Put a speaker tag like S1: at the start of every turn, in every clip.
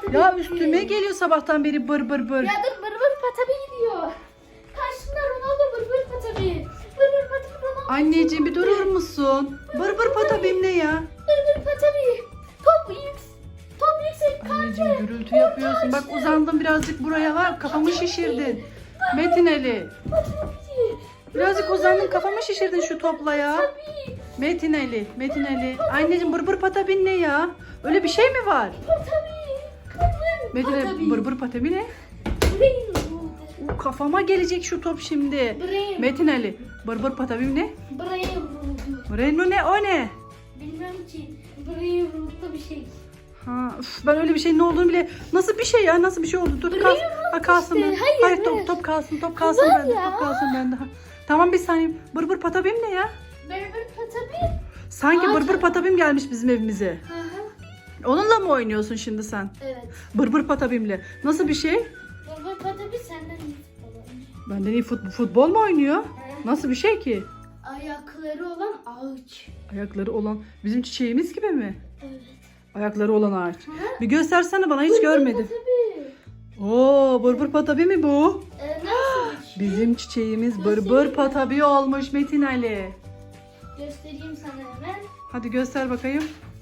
S1: Patabi.
S2: Ya üstüme geliyor sabahtan beri bır bır bır.
S1: Ya dur bır bır Patabi gidiyor. Karşında Ronaldo bır bır Patabi. Bır bır Patabi Ronaldo.
S2: Anneciğim bir durur musun? Bır bır patabim ne ya?
S1: Bır bır Patabi. Top yüksek
S2: Anneciğim gürültü yapıyorsun. Bak uzandım birazcık buraya var. Kafamı şişirdin. Metin Ali.
S1: Patabi.
S2: Birazcık uzandın kafamı şişirdin şu topla ya.
S1: Patabi.
S2: Metin Ali. Metin Ali. Anneciğim bır bır patabin ne ya? Öyle bir şey mi var?
S1: Patabi.
S2: Metin Ali
S1: Patabi.
S2: bır bır patabi ne?
S1: Brain Root.
S2: Kafama gelecek şu top şimdi.
S1: Brain.
S2: Metin Ali. Bır bır patabim ne?
S1: Brain Root.
S2: Reno ne? O ne?
S1: Bilmem ki. Brain Root'ta bir şey.
S2: Ha, üf, ben öyle bir şeyin ne olduğunu bile... Nasıl bir şey ya? Nasıl bir şey oldu? Dur kalsın. Ha, kalsın.
S1: işte.
S2: ben.
S1: Hayır,
S2: top kalsın. Top kalsın
S1: Var
S2: bende.
S1: ya.
S2: Top kalsın bende. Ha. Tamam bir saniye. Bır bır patabim ne ya?
S1: Bır bır Patabi.
S2: Sanki
S1: Ağaç
S2: bır bır
S1: var.
S2: patabim gelmiş bizim evimize.
S1: Hı hı.
S2: Onunla mı oynuyorsun şimdi sen?
S1: Evet.
S2: Bır bır patabimle. Nasıl bir şey?
S1: Bır bır Patabi senden iyi futbol oynuyor.
S2: Benden iyi futbol mu oynuyor? Nasıl bir şey ki?
S1: Ayakları olan ağaç.
S2: Ayakları olan bizim çiçeğimiz gibi mi?
S1: Evet.
S2: Ayakları olan ağaç.
S1: Hı.
S2: Bir göstersene bana hiç görmedim.
S1: Patabi.
S2: Oo, bır bır patabi mi bu?
S1: Nasıl bir şey?
S2: Bizim çiçeğimiz bır bır patabi olmuş Metin Ali.
S1: Göstereyim sana hemen.
S2: Hadi göster bakayım.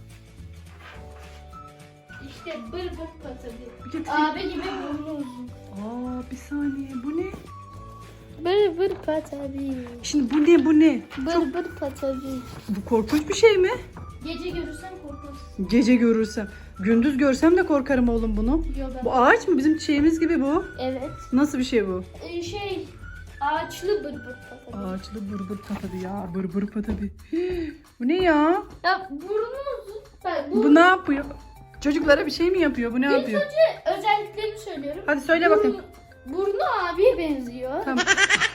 S1: İşte bır bır Patabi.
S2: Bir getir.
S1: Abi gibi burnu uzun.
S2: Aa, bir saniye bu ne?
S1: Bır bır Patabi.
S2: Şimdi bu ne?
S1: Bır bır Patabi.
S2: Bu korkunç bir şey mi?
S1: Gece görürsen korkarsın.
S2: Gece görürsem. Gündüz görsem de korkarım oğlum bunu.
S1: Yo ben.
S2: Bu ağaç mı? Bizim çiçeğimiz gibi bu.
S1: Evet.
S2: Nasıl bir şey bu?
S1: Ağaçlı bır bır Patabi.
S2: Ağaçlı bır bır patabi ya. Bır bır patabi. Bu ne ya?
S1: Ya burnu uzun. Bak
S2: Bu ne yapıyor? Çocuklara bir şey mi yapıyor? Bu ne
S1: İlk
S2: yapıyor?
S1: önce özelliklerini söylüyorum.
S2: Hadi söyle bakayım.
S1: Burnu abiye benziyor.
S2: Tamam.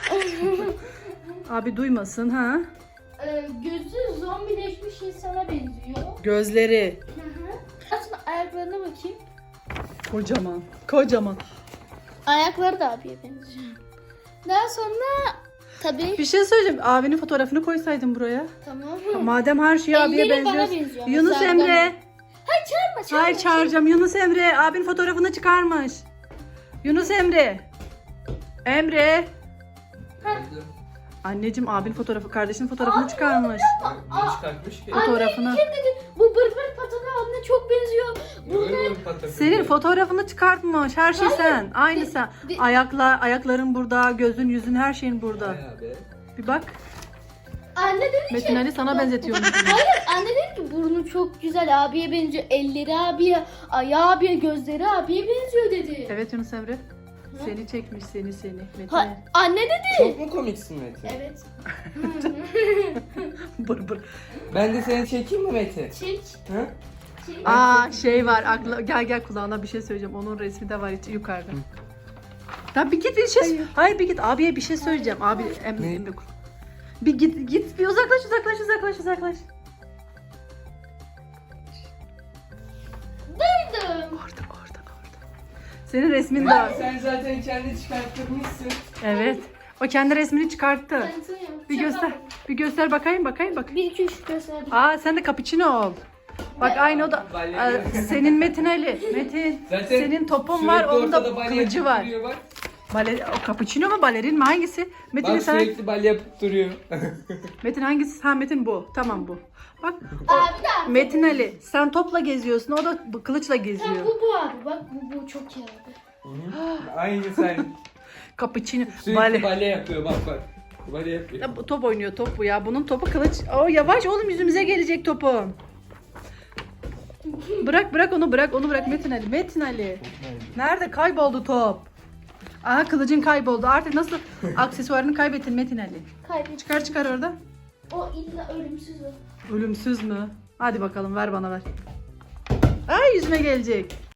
S2: Abi duymasın ha.
S1: Gözü zombileşmiş insana benziyor.
S2: Gözleri.
S1: Hı hı. Aslında ayaklarına bakayım.
S2: Kocaman. Kocaman.
S1: Ayakları da abiye benziyor. Daha sonra tabii
S2: Bir şey söyleyeceğim. Abinin fotoğrafını koysaydın buraya.
S1: tamam.
S2: Madem her şey abiye
S1: Elleri bana
S2: benziyor.
S1: benziyor.
S2: Yunus
S1: Mesela
S2: Emre.
S1: Hayır çağırma.
S2: Hayır çağıracağım. Yunus Emre. Abin fotoğrafını çıkarmış. Yunus Emre. Emre. Anneciğim abin fotoğrafı, kardeşinin fotoğrafını çıkarmış.
S3: Ne çıkartmış ki?
S2: Fotoğrafını.
S1: Kim dedi? Bu bır bır Patabi abine çok benziyor.
S3: Öyle bir patates.
S2: Senin fotoğrafını çıkartmış. Her şey sen. Aynı
S1: De-
S2: sen.
S1: de-
S2: Ayakların burada, gözün, yüzün, her şeyin burada.
S3: Bayağı be.
S2: Bir bak.
S1: Anne dedi ki.
S2: Metin Ali sana benzetiyorum.
S1: Hayır anne dedi ki burnu çok güzel abiye benziyor. Elleri abiye, ayağı abiye, gözleri abiye benziyor dedi.
S2: Evet Yunus Emre. Seni çekmiş seni Metin
S1: Ha,
S2: Ali.
S1: anne dedi.
S3: Çok mu komiksin Metin?
S1: Evet.
S2: Bır bır.
S3: Ben de seni çekeyim mi Metin?
S1: Çek.
S3: Hı?
S1: Çek.
S2: Aa şey var. Gel kulağına bir şey söyleyeceğim. Onun resmi de var yukarıda. Tamam bir git bir şey. Hayır bir git. Abiye bir şey söyleyeceğim. Abi
S3: Ne?
S2: Emre. Bir git bir uzaklaş.
S1: Duydum.
S2: Orada. Senin resmin de var.
S3: Sen zaten kendi çıkarttırmışsın.
S2: Evet. O kendi resmini çıkarttı.
S1: Tanıtıyorum.
S2: Bir göster. Bir göster bakayım. 1
S1: 1 2 3 gösterdim.
S2: Aa sen de cappuccino ol. Bak aynı o da. Senin Metin Ali. Metin.
S3: Zaten
S2: Senin topun var,
S3: sürekli
S2: onun da
S3: ortada balya
S2: kılıcı
S3: yapıp
S2: var.
S3: duruyor bak.
S2: O cappuccino mu balerin mi hangisi? Metin
S3: Bak
S2: sen.
S3: sürekli balya yapıp duruyor.
S2: Metin hangisi? Ha Metin bu. Tamam bu. Bak
S1: Abi de
S2: Metin Ali sen topla geziyorsun. O da kılıçla geziyor.
S1: bu abi. Bak bu çok iyi abi.
S3: Aynı sen.
S2: Cappuccino.
S3: Sürekli
S2: Bale.
S3: balya yapıyor bak. Balya yapıyor.
S2: Ya, bu top oynuyor top bu ya. Bunun topu kılıç. Oo yavaş oğlum yüzümüze gelecek topun. Bırak onu bırak Metin Ali. Nerede kayboldu top? Aha kılıcın kayboldu. Artık nasıl aksesuarını kaybettin Metin Ali?
S1: Kaybettim.
S2: Çıkar orada.
S1: O illa ölümsüz o.
S2: Ölümsüz mü? Hadi bakalım ver bana ver. Ay yüzüme gelecek.